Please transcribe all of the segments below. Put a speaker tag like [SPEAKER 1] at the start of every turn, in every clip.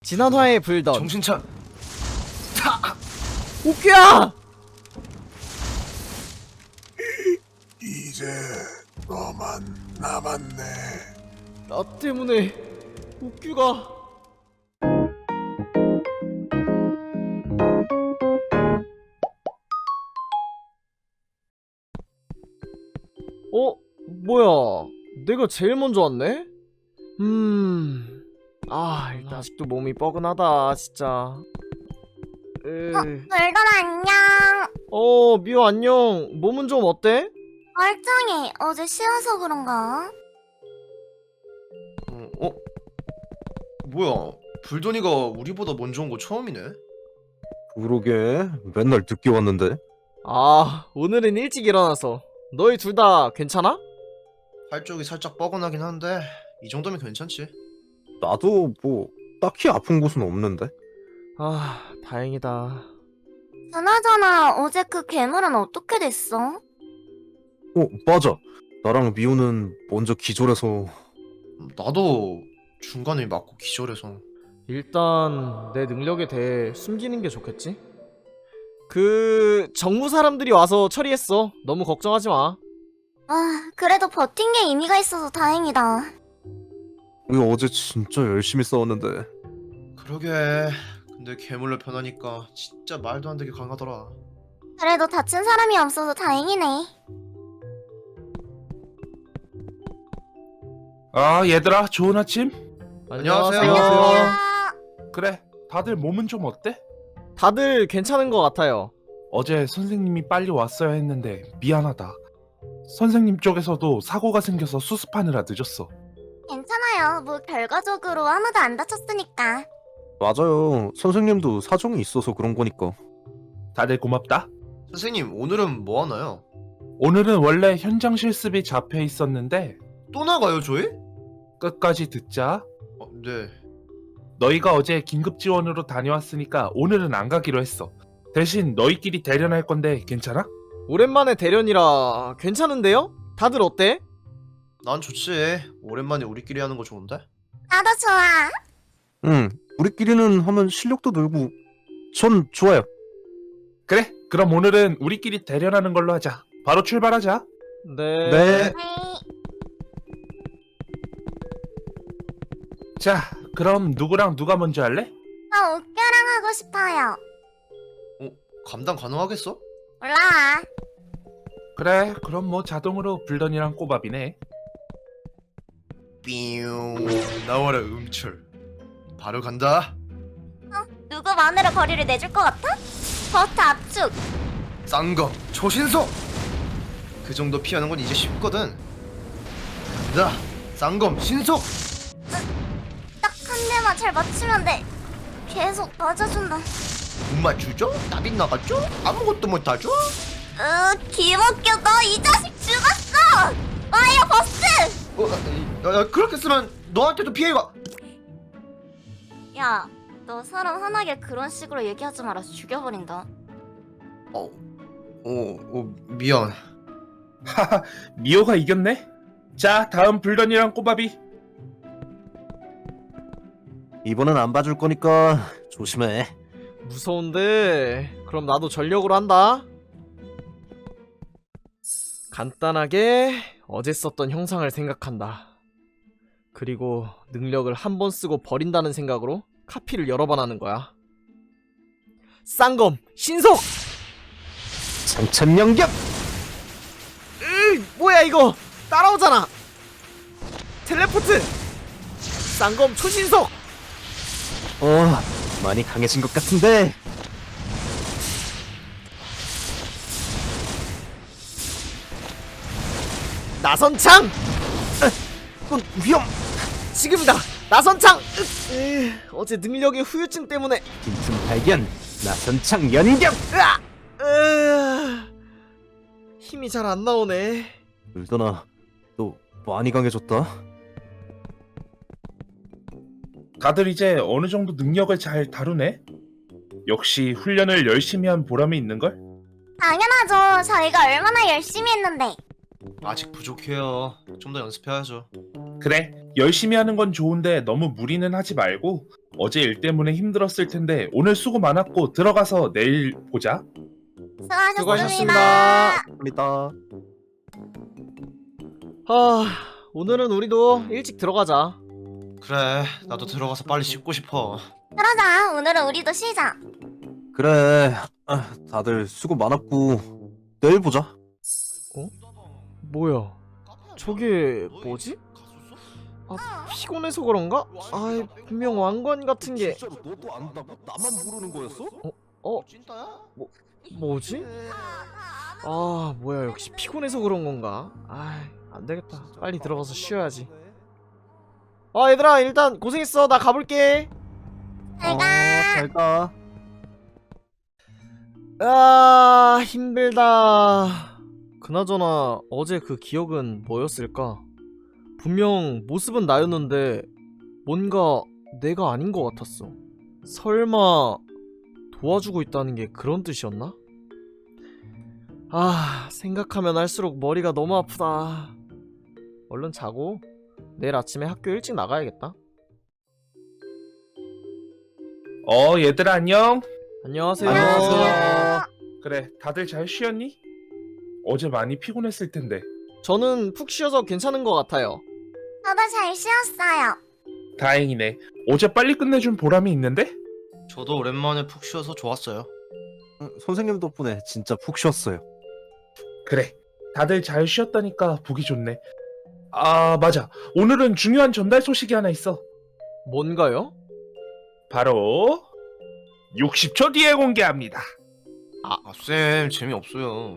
[SPEAKER 1] 지난화의 불던
[SPEAKER 2] 정신차.
[SPEAKER 1] 옥규야!
[SPEAKER 3] 이제 너만 남았네.
[SPEAKER 1] 나 때문에 옥규가 뭐야, 내가 제일 먼저 왔네? 일단 아직도 몸이 뻐근하다 진짜.
[SPEAKER 4] 불던 안녕.
[SPEAKER 1] 미호 안녕. 몸은 좀 어때?
[SPEAKER 4] 멀쩡해. 어제 쉬어서 그런가?
[SPEAKER 2] 뭐야? 불돈이가 우리보다 먼저 온 거 처음이네.
[SPEAKER 5] 그러게 맨날 늦게 왔는데.
[SPEAKER 1] 오늘은 일찍 일어나서. 너희 둘 다 괜찮아?
[SPEAKER 2] 팔 쪽이 살짝 뻐근하긴 한데 이 정도면 괜찮지.
[SPEAKER 5] 나도 뭐 딱히 아픈 곳은 없는데.
[SPEAKER 1] 다행이다.
[SPEAKER 4] 그나저나 어제 그 괴물은 어떻게 됐어?
[SPEAKER 5] 맞아. 나랑 미호는 먼저 기절해서.
[SPEAKER 2] 나도 중간에 맞고 기절해서.
[SPEAKER 1] 일단 내 능력에 대해 숨기는 게 좋겠지? 정무 사람들이 와서 처리했어. 너무 걱정하지 마.
[SPEAKER 4] 그래도 버틴 게 의미가 있어서 다행이다.
[SPEAKER 5] 우리 어제 진짜 열심히 싸웠는데.
[SPEAKER 2] 그러게. 근데 괴물로 변하니까 진짜 말도 안 되게 강하더라.
[SPEAKER 4] 그래도 다친 사람이 없어서 다행이네.
[SPEAKER 6] 얘들아, 좋은 아침?
[SPEAKER 2] 안녕하세요.
[SPEAKER 4] 안녕하세요.
[SPEAKER 6] 그래, 다들 몸은 좀 어때?
[SPEAKER 1] 다들 괜찮은 것 같아요.
[SPEAKER 6] 어제 선생님이 빨리 왔어야 했는데 미안하다. 선생님 쪽에서도 사고가 생겨서 수습하느라 늦었어.
[SPEAKER 4] 괜찮아요. 뭐 결과적으로 아무도 안 다쳤으니까.
[SPEAKER 5] 맞아요. 선생님도 사정이 있어서 그런 거니까.
[SPEAKER 6] 다들 고맙다.
[SPEAKER 2] 선생님, 오늘은 뭐 하나요?
[SPEAKER 6] 오늘은 원래 현장 실습이 잡혀 있었는데
[SPEAKER 2] 또 나가요, 저희?
[SPEAKER 6] 끝까지 듣자.
[SPEAKER 2] 네.
[SPEAKER 6] 너희가 어제 긴급 지원으로 다녀왔으니까 오늘은 안 가기로 했어. 대신 너희끼리 대련할 건데 괜찮아?
[SPEAKER 1] 오랜만에 대련이라 괜찮은데요? 다들 어때?
[SPEAKER 2] 난 좋지. 오랜만에 우리끼리 하는 거 좋은데?
[SPEAKER 4] 나도 좋아.
[SPEAKER 5] 우리끼리는 하면 실력도 늘고. 전 좋아요.
[SPEAKER 6] 그래, 그럼 오늘은 우리끼리 대련하는 걸로 하자. 바로 출발하자.
[SPEAKER 1] 네.
[SPEAKER 5] 네.
[SPEAKER 6] 자, 그럼 누구랑 누가 먼저 할래?
[SPEAKER 4] 나 옥규랑 하고 싶어요.
[SPEAKER 2] 감당 가능하겠어?
[SPEAKER 4] 올라와.
[SPEAKER 6] 그래, 그럼 뭐 자동으로 불던이랑 꼬밥이네.
[SPEAKER 2] 삐용. 나와라, 음철. 바로 간다.
[SPEAKER 4] 누구 마음대로 거리를 내줄 것 같아? 버스 압축.
[SPEAKER 2] 쌍검 초신속. 그 정도 피하는 건 이제 쉽거든. 간다. 쌍검 신속.
[SPEAKER 4] 딱 한 대만 잘 맞추면 돼. 계속 맞아준다.
[SPEAKER 2] 못 맞추죠? 나빗 나갔죠? 아무것도 못하죠?
[SPEAKER 4] 기막혀. 너 이 자식 죽었어. 와이어 버스.
[SPEAKER 2] 그렇게 쓰면 너한테도 피해가.
[SPEAKER 4] 야, 너 사람 화나게 그런 식으로 얘기하지 마라. 죽여버린다.
[SPEAKER 2] 미안.
[SPEAKER 6] 하하, 미호가 이겼네? 자, 다음 불던이랑 꼬밥이.
[SPEAKER 5] 이번엔 안 봐줄 거니까 조심해.
[SPEAKER 1] 무서운데. 그럼 나도 전력으로 한다. 간단하게 어제 썼던 형상을 생각한다. 그리고 능력을 한 번 쓰고 버린다는 생각으로 카피를 여러 번 하는 거야. 쌍검 신속!
[SPEAKER 5] 상천연격.
[SPEAKER 1] 뭐야 이거! 따라오잖아! 텔레포트! 쌍검 초신속!
[SPEAKER 5] 많이 강해진 것 같은데.
[SPEAKER 1] 나선창!
[SPEAKER 5] 위험.
[SPEAKER 1] 지금이다! 나선창! 어제 능력의 후유증 때문에
[SPEAKER 5] 빈틈 발견. 나선창 연격.
[SPEAKER 1] 힘이 잘 안 나오네.
[SPEAKER 5] 불던아, 너 많이 강해졌다.
[SPEAKER 6] 다들 이제 어느 정도 능력을 잘 다루네? 역시 훈련을 열심히 한 보람이 있는걸?
[SPEAKER 4] 당연하죠. 저희가 얼마나 열심히 했는데.
[SPEAKER 2] 아직 부족해요. 좀 더 연습해야죠.
[SPEAKER 6] 그래, 열심히 하는 건 좋은데 너무 무리는 하지 말고 어제 일 때문에 힘들었을 텐데 오늘 수고 많았고 들어가서 내일 보자.
[SPEAKER 4] 수고하셨습니다.
[SPEAKER 5] 합니다.
[SPEAKER 1] 오늘은 우리도 일찍 들어가자.
[SPEAKER 2] 그래, 나도 들어가서 빨리 씻고 싶어.
[SPEAKER 4] 그러자. 오늘은 우리도 쉬자.
[SPEAKER 5] 그래. 다들 수고 많았고 내일 보자.
[SPEAKER 1] 뭐야? 저게 뭐지? 피곤해서 그런가? 아이, 분명 왕관 같은 게
[SPEAKER 5] 진짜로 너도 안다고? 나만 모르는 거였어?
[SPEAKER 2] 찐따야?
[SPEAKER 1] 뭐지? 아, 뭐야, 역시 피곤해서 그런 건가? 아이, 안 되겠다. 빨리 들어가서 쉬어야지. 얘들아, 일단 고생했어. 나 가볼게.
[SPEAKER 4] 잘 가.
[SPEAKER 5] 잘 가.
[SPEAKER 1] 힘들다. 그나저나 어제 그 기억은 뭐였을까? 분명 모습은 나였는데 뭔가 내가 아닌 것 같았어. 설마 도와주고 있다는 게 그런 뜻이었나? 생각하면 할수록 머리가 너무 아프다. 얼른 자고 내일 아침에 학교 일찍 나가야겠다.
[SPEAKER 6] 얘들아 안녕.
[SPEAKER 1] 안녕하세요.
[SPEAKER 4] 안녕하세요.
[SPEAKER 6] 그래, 다들 잘 쉬었니? 어제 많이 피곤했을 텐데.
[SPEAKER 1] 저는 푹 쉬어서 괜찮은 것 같아요.
[SPEAKER 4] 저도 잘 쉬었어요.
[SPEAKER 6] 다행이네. 어제 빨리 끝내준 보람이 있는데?
[SPEAKER 2] 저도 오랜만에 푹 쉬어서 좋았어요.
[SPEAKER 5] 선생님 덕분에 진짜 푹 쉬었어요.
[SPEAKER 6] 그래, 다들 잘 쉬었다니까 보기 좋네. 맞아. 오늘은 중요한 전달 소식이 하나 있어.
[SPEAKER 1] 뭔가요?
[SPEAKER 6] 바로 60초 뒤에 공개합니다.
[SPEAKER 2] 쌤, 재미없어요.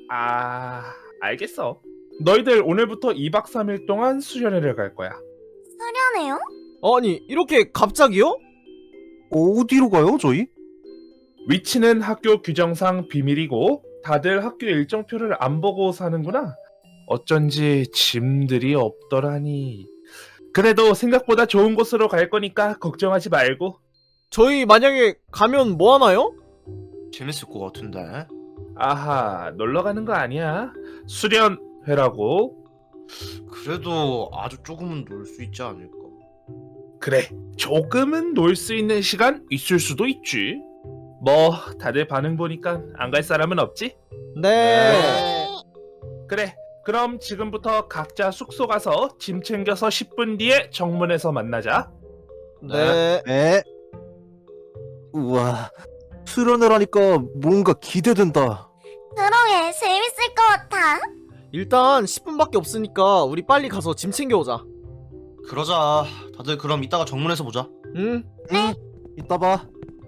[SPEAKER 6] 알겠어. 너희들 오늘부터 2박 3일 동안 수련회를 갈 거야.
[SPEAKER 4] 수련해요?
[SPEAKER 1] 아니, 이렇게 갑자기요?
[SPEAKER 5] 어디로 가요, 저희?
[SPEAKER 6] 위치는 학교 규정상 비밀이고 다들 학교 일정표를 안 보고 사는구나. 어쩐지 짐들이 없더라니. 그래도 생각보다 좋은 곳으로 갈 거니까 걱정하지 말고.
[SPEAKER 1] 저희 만약에 가면 뭐 하나요?
[SPEAKER 2] 재밌을 것 같은데.
[SPEAKER 6] 아하, 놀러 가는 거 아니야. 수련회라고.
[SPEAKER 2] 그래도 아주 조금은 놀 수 있지 않을까.
[SPEAKER 6] 그래, 조금은 놀 수 있는 시간 있을 수도 있지. 뭐 다들 반응 보니까 안 갈 사람은 없지?
[SPEAKER 1] 네.
[SPEAKER 6] 그래, 그럼 지금부터 각자 숙소 가서 짐 챙겨서 10분 뒤에 정문에서 만나자.
[SPEAKER 1] 네.
[SPEAKER 5] 네. 우와, 수련회라니까 뭔가 기대된다.
[SPEAKER 4] 그러게 재밌을 것 같아.
[SPEAKER 1] 일단 10분밖에 없으니까 우리 빨리 가서 짐 챙겨오자.
[SPEAKER 2] 그러자. 다들 그럼 이따가 정문에서 보자.
[SPEAKER 1] 응?
[SPEAKER 5] 이따 봐.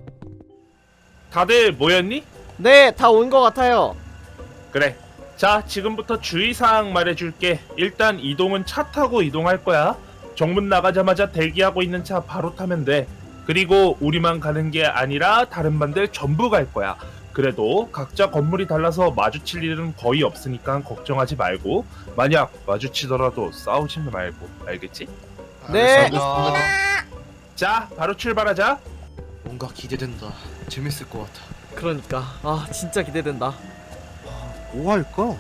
[SPEAKER 6] 다들 모였니?
[SPEAKER 1] 네, 다 온 것 같아요.
[SPEAKER 6] 그래. 자, 지금부터 주의사항 말해줄게. 일단 이동은 차 타고 이동할 거야. 정문 나가자마자 대기하고 있는 차 바로 타면 돼. 그리고 우리만 가는 게 아니라 다른 반들 전부 갈 거야. 그래도 각자 건물이 달라서 마주칠 일은 거의 없으니까 걱정하지 말고, 만약 마주치더라도 싸우지 말고, 알겠지?
[SPEAKER 1] 네.
[SPEAKER 2] 알겠습니다.
[SPEAKER 6] 자, 바로 출발하자.
[SPEAKER 2] 뭔가 기대된다. 재밌을 것 같아.
[SPEAKER 1] 그러니까 진짜 기대된다.
[SPEAKER 5] 뭐 할까?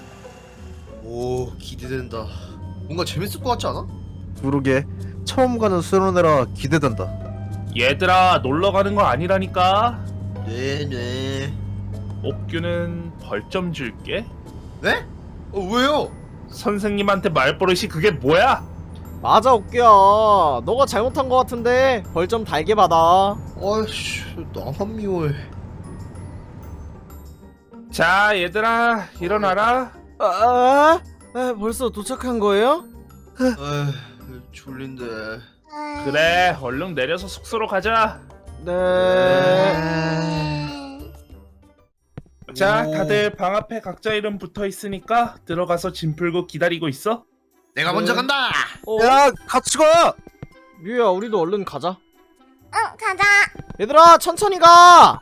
[SPEAKER 2] 오, 기대된다. 뭔가 재밌을 것 같지 않아?
[SPEAKER 5] 그러게, 처음 가는 수련회라 기대된다.
[SPEAKER 6] 얘들아, 놀러 가는 거 아니라니까.
[SPEAKER 2] 네.
[SPEAKER 6] 옥규는 벌점 줄게.
[SPEAKER 2] 네? 왜요?
[SPEAKER 6] 선생님한테 말버릇이 그게 뭐야?
[SPEAKER 1] 맞아, 옥규야. 너가 잘못한 것 같은데 벌점 달게 받아.
[SPEAKER 2] 아이씨, 나만 미워해.
[SPEAKER 6] 자, 얘들아, 일어나라.
[SPEAKER 1] 벌써 도착한 거예요?
[SPEAKER 2] 에휴, 졸린데.
[SPEAKER 6] 그래, 얼른 내려서 숙소로 가자.
[SPEAKER 1] 네.
[SPEAKER 6] 자,
[SPEAKER 2] 오.
[SPEAKER 6] 다들 방 앞에 각자 이름 붙어 있으니까 들어가서 짐 풀고 기다리고 있어.
[SPEAKER 2] 내가 먼저 간다.
[SPEAKER 5] 야, 같이 가!
[SPEAKER 1] 뮤야, 우리도 얼른 가자.
[SPEAKER 4] 응, 가자.
[SPEAKER 1] 얘들아, 천천히 가.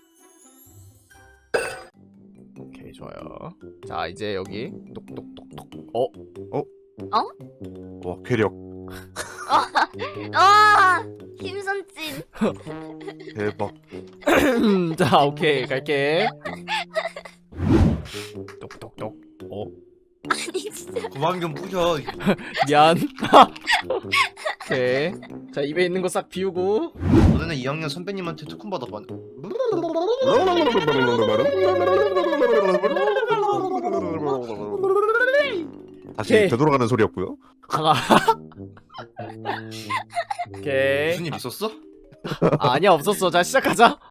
[SPEAKER 1] 오케이, 좋아요. 자, 이제 여기 똑똑똑똑.
[SPEAKER 5] 와, 괴력
[SPEAKER 4] 김선진.
[SPEAKER 5] 대박.
[SPEAKER 1] 자, 오케이, 갈게. 똑똑똑.
[SPEAKER 4] 아니 진짜.
[SPEAKER 2] 그만 좀 부셔.
[SPEAKER 1] 미안. 오케이. 자, 입에 있는 거 싹 비우고.
[SPEAKER 2] 너네는 2학년 선배님한테 특훈 받아봤.
[SPEAKER 5] 다시
[SPEAKER 1] 오케이.
[SPEAKER 5] 되돌아가는 소리였고요.
[SPEAKER 1] 아. 오케이.
[SPEAKER 2] 무슨 일 있었어?
[SPEAKER 1] 아, 아니야, 없었어. 자, 시작하자.